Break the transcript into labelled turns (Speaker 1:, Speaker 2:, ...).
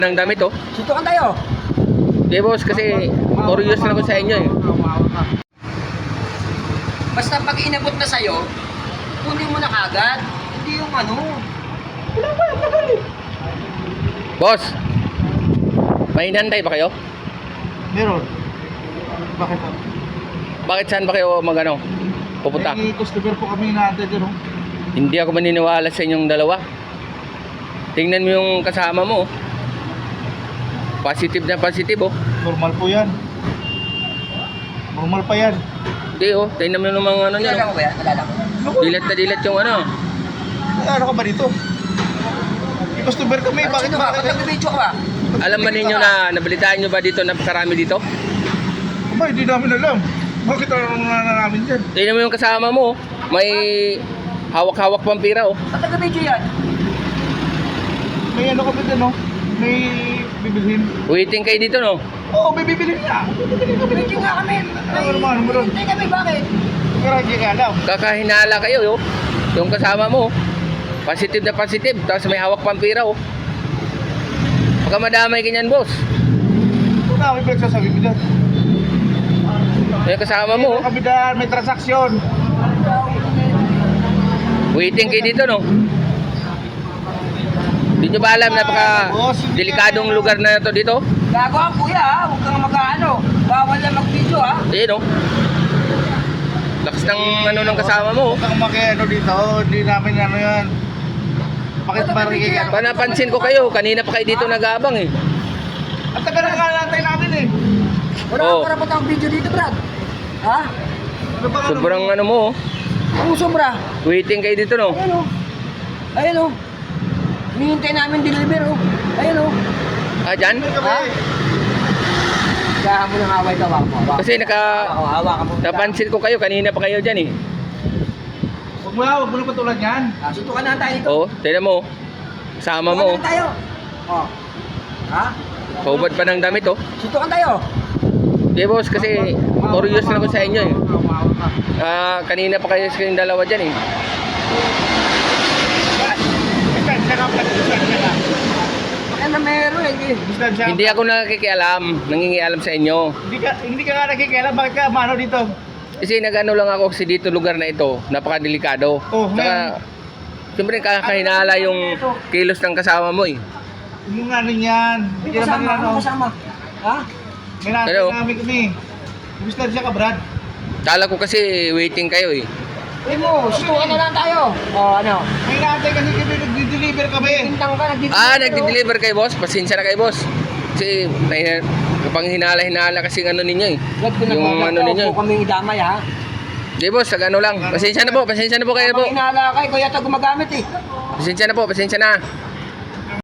Speaker 1: ng damit oh.
Speaker 2: Sutukan tayo.
Speaker 1: Okay boss, kasi curious lang ako sa inyo eh.
Speaker 2: Basta pag inabot na sa'yo, kunin mo na kagad. Hindi yung ano. Wala pa, tagal eh.
Speaker 1: Boss, may inantay ba kayo?
Speaker 3: Meron. Bakit po?
Speaker 1: Bakit saan ba kayo magano? Pupunta?
Speaker 3: May customer po kami natin dyan. Oh.
Speaker 1: Hindi ako maniniwala sa inyong dalawa. Tingnan mo yung kasama mo. Positive na positive oh.
Speaker 3: Normal po yan. Normal pa yan.
Speaker 1: Hindi oh, tingnan mo yung mga ano niya.
Speaker 2: Nalala ko ba yan? Nalala ko.
Speaker 1: Dilat na dilat yung ano.
Speaker 3: Ano ka ba dito? May customer kami.
Speaker 2: Ano,
Speaker 3: Bakit
Speaker 2: sino ka?
Speaker 3: bakit?
Speaker 2: Ba't nagbibidyo ka ba?
Speaker 1: Alam ba ninyo na nabalitaan nyo ba dito na karami dito?
Speaker 3: Aba, hindi namin alam. Bakit ano na namin dyan?
Speaker 1: Tingnan mo yung kasama mo oh. May hawak-hawak pampira oh.
Speaker 2: Ba't nagbibidyo yan?
Speaker 3: May ano kami dyan, no? May bibilhin.
Speaker 1: Waiting kayo dito no?
Speaker 3: Oo, may bibilhin na. Bibilhin kami
Speaker 2: Nagbibidyo
Speaker 3: dito.
Speaker 2: nga kami.
Speaker 3: Ano naman, ano naman?
Speaker 2: Hindi kami, bakit?
Speaker 3: Pero hindi ka alam.
Speaker 1: Kakahinala kayo oh. Yung kasama mo oh. Positive na positive. Tapos may hawak pampira oh. Baka madamay ganyan boss.
Speaker 3: Ito na, may pinagsasabi mo dyan.
Speaker 1: Yung kasama mo oh.
Speaker 3: Kami dyan, may transaksyon.
Speaker 1: Waiting kayo dito no? Hindi nyo ba alam napaka delikadong lugar na to dito?
Speaker 2: Gago ang kuya ha, huwag kang mag-ano. Bawal na mag-video ha.
Speaker 1: Ayun oh. Lakas ng ano ng kasama mo oh.
Speaker 3: Huwag kang makiano dito, hindi namin ano yan. Bakit marigyan?
Speaker 1: Panapansin ko kayo, kanina pa kayo dito nag-aabang eh.
Speaker 3: At taga na nantay namin eh.
Speaker 2: Wala
Speaker 1: Oo.
Speaker 2: kang karapat ang video dito, Brad. Ha?
Speaker 3: Ano ba
Speaker 1: Sobrang ano mo oh.
Speaker 2: Ang sobra.
Speaker 1: Waiting kayo dito no?
Speaker 2: Ayun o. Ayun o. Hinihintay namin deliver o. Ayun o.
Speaker 1: Ah, dyan?
Speaker 2: Ha? Kaya mo ng away ka, wako.
Speaker 1: Kasi
Speaker 2: Hawa ka mo.
Speaker 1: napansin ko kayo, kanina pa kayo dyan eh.
Speaker 3: Huwag mo na patulan yan.
Speaker 2: Sutukan na tayo dito.
Speaker 1: Oo, tignan mo. Sama mo.
Speaker 2: Sutukan na tayo. Oh. Ha?
Speaker 1: Hubad pa ng damit oh.
Speaker 2: Sutukan tayo.
Speaker 1: Okay boss, kasi curious lang ako sa inyo eh. Kanina pa kayo sa kayong dalawa dyan eh.
Speaker 3: Distansya ka pala, distansya ka.
Speaker 2: Baka na meron eh.
Speaker 3: Distansya ka.
Speaker 1: Hindi ako nakikialam, nangingialam sa inyo.
Speaker 3: Hindi ka nga nakikialam, bakit ka mano dito?
Speaker 1: Kasi nag-ano lang ako kasi dito lugar na ito, napakadelikado.
Speaker 3: Oh,
Speaker 1: Saka, siyempre kakahinala yung kilos ng kasama mo eh.
Speaker 3: Yung ano yan.
Speaker 2: May kasama, ano kasama? Ha?
Speaker 3: May natin
Speaker 1: Hello?
Speaker 3: namin kami. Distansya ka, Brad.
Speaker 1: Kala ko kasi waiting kayo eh.
Speaker 2: Uy mo, sutukan na lang tayo. Oh, ano?
Speaker 3: May natin kasi kami nag-deliver kami.
Speaker 2: Bintang ka, nagdi-deliver.
Speaker 1: Nagdi-deliver kayo boss? Pasensya na kayo boss. Kasi kapang hinala-hinala kasi ano ninyo eh.
Speaker 2: Wag ko
Speaker 1: Yung ano ninyo.
Speaker 2: Huwag kaming idamay ha.
Speaker 1: Hindi boss, ano lang. Pasensya na po kayo po.
Speaker 2: Kapag hinala kay, kuya ito gumagamit eh.
Speaker 1: Pasensya na po, pasensya na.